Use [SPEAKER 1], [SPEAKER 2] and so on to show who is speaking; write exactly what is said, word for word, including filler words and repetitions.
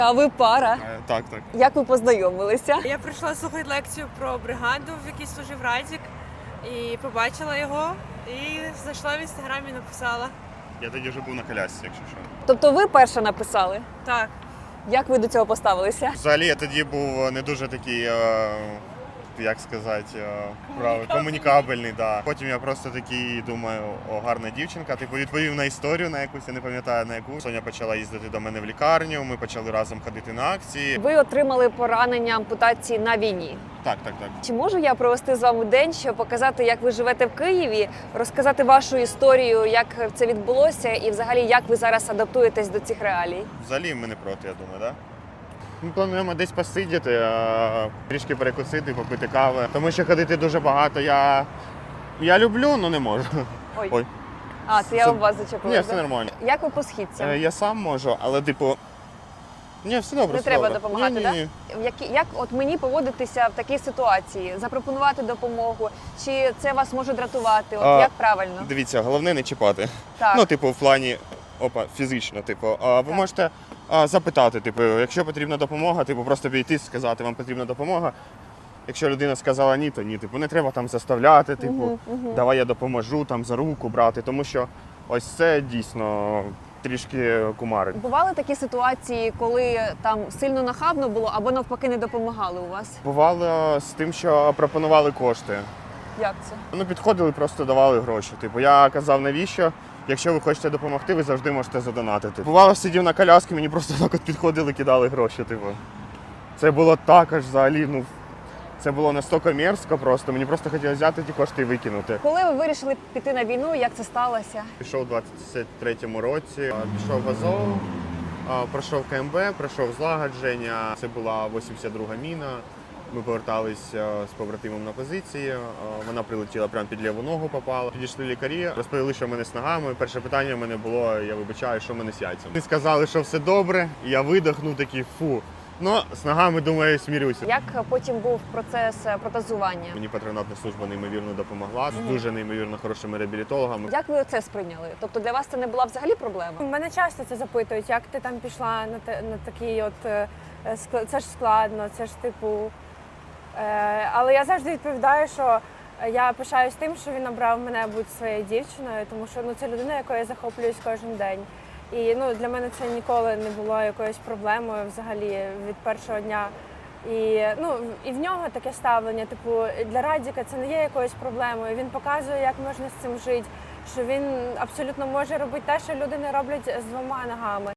[SPEAKER 1] А ви пара?
[SPEAKER 2] Е, Так, так.
[SPEAKER 1] Як ви познайомилися?
[SPEAKER 3] Я прийшла слухати лекцію про бригаду, в якій служив Радік, і побачила його, і зайшла в інстаграмі і написала.
[SPEAKER 2] Я тоді вже був на колясці, якщо що.
[SPEAKER 1] Тобто ви перша написали?
[SPEAKER 3] Так.
[SPEAKER 1] Як ви до цього поставилися?
[SPEAKER 2] Взагалі я тоді був не дуже такий, е, як сказати, е, прав- комунікабельний. Да. Потім я просто такий думаю, о, гарна дівчинка. Типу відповів на історію, на якусь, я не пам'ятаю на яку. Соня почала їздити до мене в лікарню, ми почали разом ходити на акції.
[SPEAKER 1] Ви отримали поранення ампутації на війні.
[SPEAKER 2] Так, так, так.
[SPEAKER 1] Чи можу я провести з вами день, щоб показати, як ви живете в Києві, розказати вашу історію, як це відбулося, і взагалі як ви зараз адаптуєтесь до цих реалій?
[SPEAKER 2] Взагалі ми не проти, я думаю, так? Да? Ми плануємо десь посидіти, а, трішки перекусити, попити кави. Тому що ходити дуже багато. Я, я люблю, але не можу.
[SPEAKER 1] Ой.
[SPEAKER 2] Ой.
[SPEAKER 1] А, це я
[SPEAKER 2] Це-
[SPEAKER 1] у вас зачепила.
[SPEAKER 2] Ні,
[SPEAKER 1] да?
[SPEAKER 2] все нормально.
[SPEAKER 1] Як ви по східцям?
[SPEAKER 2] Е, Я сам можу, але типу. Ні, все добре.
[SPEAKER 1] Не
[SPEAKER 2] все
[SPEAKER 1] треба
[SPEAKER 2] добре.
[SPEAKER 1] допомагати,
[SPEAKER 2] ні,
[SPEAKER 1] так?
[SPEAKER 2] ні, ні.
[SPEAKER 1] Як, як от мені поводитися в такій ситуації? Запропонувати допомогу? Чи це вас може дратувати? От
[SPEAKER 2] А,
[SPEAKER 1] як правильно?
[SPEAKER 2] Дивіться, головне не чіпати.
[SPEAKER 1] Так.
[SPEAKER 2] Ну, типу, в плані опа, фізично. Типу, а ви
[SPEAKER 1] Так.
[SPEAKER 2] можете а, запитати, типу, якщо потрібна допомога, типу, просто підійти, сказати, вам потрібна допомога. Якщо людина сказала ні, то ні. Типу, не треба там заставляти, типу,
[SPEAKER 1] Мгм, мгм.
[SPEAKER 2] давай я допоможу там за руку брати, тому що ось це дійсно трішки кумарить.
[SPEAKER 1] Бували такі ситуації, коли там сильно нахабно було або навпаки не допомагали у вас?
[SPEAKER 2] Бувало з тим, що пропонували кошти.
[SPEAKER 1] Як це?
[SPEAKER 2] Ну, підходили, просто давали гроші. Типу, я казав, навіщо? Якщо ви хочете допомогти, ви завжди можете задонатити. Бувало, сидів на коляскі, мені просто так от підходили, кидали гроші. Типу. Це було також взагалі, ну, це було настільки мерзко просто. Мені просто хотілося взяти ті кошти і викинути.
[SPEAKER 1] Коли ви вирішили піти на війну, як це сталося?
[SPEAKER 2] Пішов у двадцять третьому році, а, пішов в Азов, а, пройшов КМБ, пройшов злагодження. Це була вісімдесят друга міна. Ми поверталися з побратимом на позиції, а, вона прилетіла прямо під ліву ногу, попала. Підійшли лікарі, розповіли, що в мене з ногами. Перше питання в мене було, я вибачаю, що в мене з яйцями. Вони сказали, що все добре, і я видихнув такий фу. Ну, з ногами, думаю, смірюся.
[SPEAKER 1] Як потім був процес протезування?
[SPEAKER 2] Мені патронатна служба неймовірно допомогла, з дуже неймовірно хорошими реабілітологами.
[SPEAKER 1] Як ви це сприйняли? Тобто для вас це не була взагалі проблема?
[SPEAKER 3] Мене часто це запитують, як ти там пішла на, те, на такий от е, ск- це ж складно, це ж типу. Е, але я завжди відповідаю, що я пишаюсь тим, що він обрав мене бути своєю дівчиною, тому що ну, це людина, якою я захоплююсь кожен день. І ну, для мене це ніколи не було якоюсь проблемою взагалі від першого дня. І, ну, і в нього таке ставлення, типу, для Радіка це не є якоюсь проблемою. Він показує, як можна з цим жити, що він абсолютно може робити те, що люди не роблять з двома ногами.